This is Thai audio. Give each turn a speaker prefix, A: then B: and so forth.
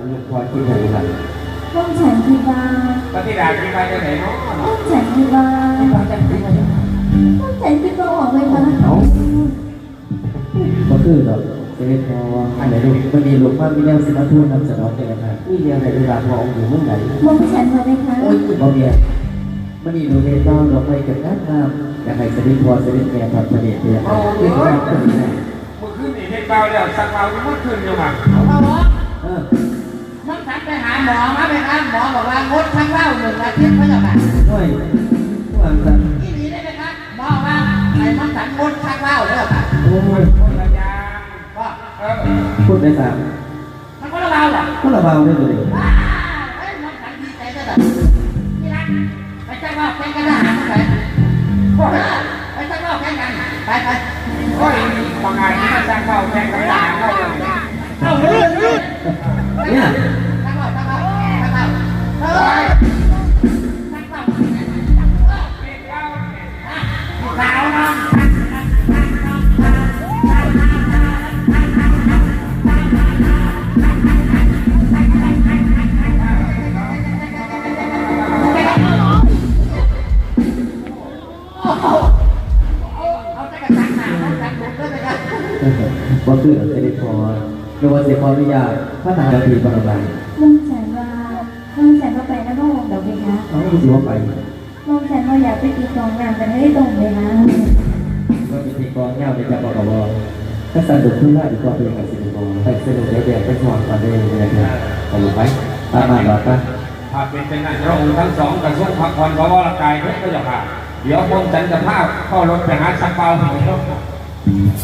A: ลูกพอคิดถึงหลัง
B: ห้องฉันที่บ้าน
C: พระธิดาคิดว่าจะไหนเนาะ
B: ห้องฉันที่บ้าน
A: ที่บ้านจะคิดอะไร
B: ห้องฉันที่บ้านออกไหมคะ
A: เอาก็คือแบบเจ๊พออันไหนลูกวันนี้ลูกว่ามีแนวสิมาทูนนำเสนอแก่กันมีเรื่องอะไรเวลาพอองค์อยู่เมื่อไหร่
B: ห้องฉันมาไหมคะ
A: โอ้ยบ่เมียมันนี่ดูเรียนต้องเราไปกับน้ำน้ำอยากให้สนิทพอสนิทแก่ครับสนิทเนี่ยที่แรกก็ดีนะ
C: เมื่อคืนนี่เด็กเบาแล้วสักเบาเมื่อคืนอยู่มั้ง
D: เอาหมอ
A: เออ
D: น้องฉันไปหาหมอมาไปหาหมอบอกว่างดทั้งเหล้า1 อาทิตย์เขาจะแบบ
A: ด้วยวางกัน
D: ที่นี้ได้ไหมครับหมอว่าไอ้น้องฉันงดทั้งเหล้าเลยแบบ
A: โอ้ย
C: คนละยาง
D: ก็
A: พูดได้สาม
D: มันก็ระเบาแหละ
A: ก็ระเบาได้เลย
D: ไอ้น้องฉันดีใจได้แบบที่รักไปจ้างเหล้าแข่งกันนะหาเมื่อไหร่ไปจ้างเหล้าแข่งกันไป
C: ก็บางงานที่มาจ้างเข้าแข่งกับทหารเข้าเลย
D: เอาเรื่อง
A: เนี่ย
D: จ้างเหล้าเฮ้ยจ้างเหล้าสาวน้อง เอาแต่กระตักหนาน้องฉันดูด้วยไหมครับ
A: ก็คือเซนิพอไม่ว่าเสียความวิยาพระทหารทีบรมราช
B: ห้องฉันว่าห้องฉันว่าไปแล้วก็วงเดี๋ยวไปคะ
A: เขาไม่สิว่าไป
B: ห้องฉันว่าอยากไปตีกองงานแต่ไม่ได้ตรงเลยนะ
A: ก็มีทีกองเงาในจับกบถ้าสันดุขึ้นได้ดีกว่าเป็นกับสิริพรไปสนุกแดงไปสอนกันได้ยังไงครับตลกไหมตามมาหรอปะ
C: ถ้าเป็นเช่นนั้นพระองค์ทั้งสองกระทรวงพักผ่อนเพราะว่ากายเพื่อก็จะพาเดี๋ยวผมฉันจะพาเข้ารถไปหาสักเบา